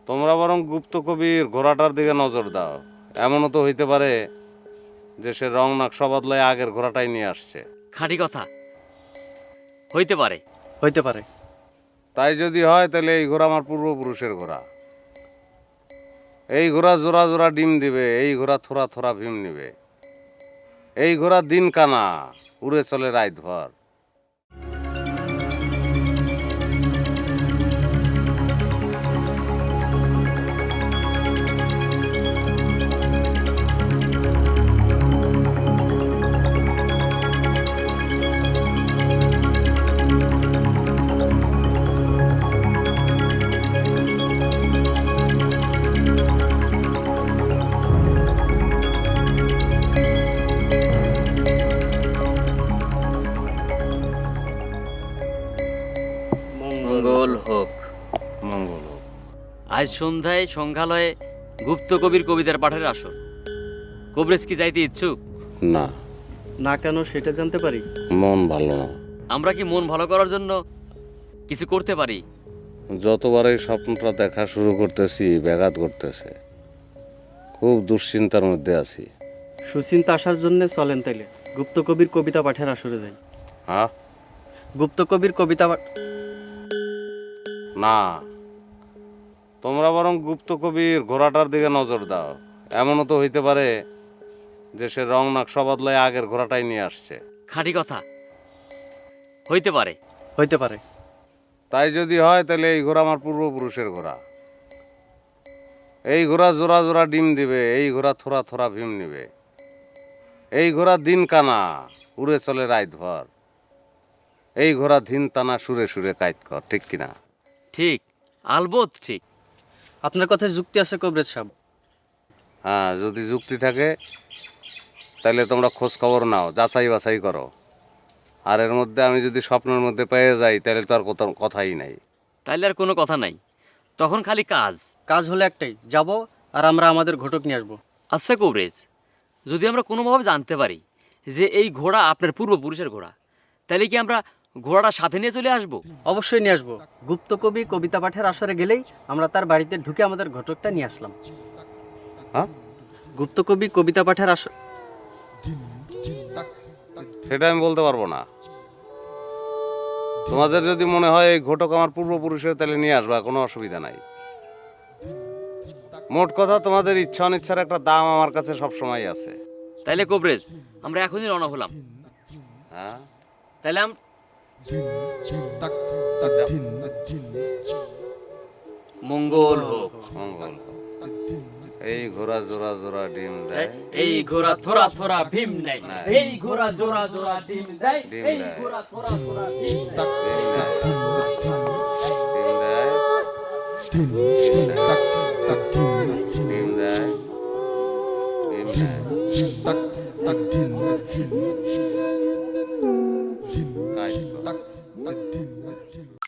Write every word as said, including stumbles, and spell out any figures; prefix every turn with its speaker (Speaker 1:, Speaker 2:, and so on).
Speaker 1: তোমরা বরং গুপ্ত কবির ঘোড়াটার দিকে নজর দাও। এমনও তো হইতে পারে যে সে রং নকশা বদলায় আগের ঘোড়াটাই নিয়ে আসছে।
Speaker 2: খাঁটি কথা, হইতে পারে।
Speaker 3: হইতে পারে।
Speaker 1: তাই যদি হয় তাহলে এই ঘোড়া আমার পূর্বপুরুষের ঘোড়া। এই ঘোড়া জোড়া জোড়া ডিম দিবে, এই ঘোড়া থোড়া থোড়া ভীম নিবে। এই ঘোড়া দিন কানা, উড়ে চলে রাত ভর।
Speaker 2: মঙ্গল হোক।
Speaker 1: মঙ্গল হোক।
Speaker 2: আজ সন্ধ্যায় সংগ্রহালয়ে গুপ্ত কবির কবিতার পাঠের আসর। কবরেজ কি যাইতে ইচ্ছুক?
Speaker 1: না,
Speaker 3: না কেন সেটা জানতে পারি?
Speaker 1: মন ভালো না।
Speaker 2: আমরা কি মন ভালো করার জন্য কিছু করতে পারি?
Speaker 1: যতবার এই স্বপ্নটা দেখা শুরু করতেছি ব্যাঘাত করতেছে। খুব দুশ্চিন্তার মধ্যে আছি।
Speaker 3: সুচিন্তা আসার জন্য চলেন তাইলে গুপ্ত কবির কবিতা পাঠের আসরে যাই।
Speaker 1: হ্যাঁ?
Speaker 3: গুপ্ত কবির কবিতা পাঠ
Speaker 1: না, তোমরা বরং গুপ্ত কবির ঘোড়াটার দিকে নজর দাও। এমনও তো হইতে পারে যে সে রং নকশা বদলায় আগের ঘোড়াটাই নিয়ে আসছে।
Speaker 2: খাঁটি কথা, হইতে পারে।
Speaker 3: হইতে পারে।
Speaker 1: তাই যদি হয় তাহলে এই ঘোড়া আমার পূর্বপুরুষের ঘোড়া। এই ঘোড়া জোড়া জোড়া ডিম দিবে, এই ঘোড়া থোড়া থোড়া ভীম নিবে। এই ঘোড়া দিন কানা, উড়ে চলে রাত ভর। এই ঘোড়া ধিন টানা সুরে সুরে কাইত কর। ঠিক কিনা?
Speaker 2: ঠিক, আলবত ঠিক।
Speaker 3: আপনার কথায় যুক্তি আছে কবরেজ সাহেব।
Speaker 1: হ্যাঁ, যদি যুক্তি থাকে তাহলে তোমরা খোঁজ খবর নাও, যাচাই বাছাই করো। আর এর মধ্যে আমি যদি স্বপ্নের মধ্যে পেয়ে যাই তাহলে তো আর কথা কথাই নাই।
Speaker 2: তাইলে আর কোনো কথা নাই, তখন খালি কাজ।
Speaker 3: কাজ হলে একটাই, যাব আর আমরা আমাদের ঘটক নিয়ে আসবো।
Speaker 2: আচ্ছা কবরেজ, যদি আমরা কোনোভাবে জানতে পারি যে এই ঘোড়া আপনার পূর্বপুরুষের ঘোড়া, তাহলে কি আমরা ঘোড়াটা সাথে নিয়ে চলে আসবো?
Speaker 3: অবশ্যই নিয়ে আসবো। গুপ্ত কবি কবিতা পাঠের আসরে গেলেই আমরা তার বাড়িতে ঢুকে আমাদের ঘটকটা নিয়ে আসলাম।
Speaker 1: হ্যাঁ,
Speaker 3: গুপ্ত কবি কবিতা পাঠের আসর
Speaker 1: সেটা আমি বলতে পারবো না। তোমাদের যদি মনে হয় এই ঘটক আমার পূর্বপুরুষের, তাহলে নিয়ে আসবা, কোনো অসুবিধা নাই। মোট কথা, তোমাদের ইচ্ছা অনিচ্ছার একটা দাম আমার কাছে সবসময় আছে।
Speaker 2: তাইলে কবরেজ, আমরা এখনই রওনা হলাম।
Speaker 1: হ্যাঁ,
Speaker 2: তাহলে আম মঙ্গল হোক।
Speaker 1: মঙ্গল হোক। এই ঘোড়া জোড়া জোড়া ডিম দেয়,
Speaker 2: এই ঘোড়া থোড়া থোড়া ভীম নেয়। এই ঘোড়া জোড়া জোড়া ডিম দেয়।
Speaker 1: ডিম
Speaker 2: এই
Speaker 1: দেয়।
Speaker 2: ঘোড়া থোড়া থোড়া ভীম নেয়।
Speaker 1: ডিম দেয়, ডিম দেয়, ডিম দেয়, ডিম দেয়। কাজ কর।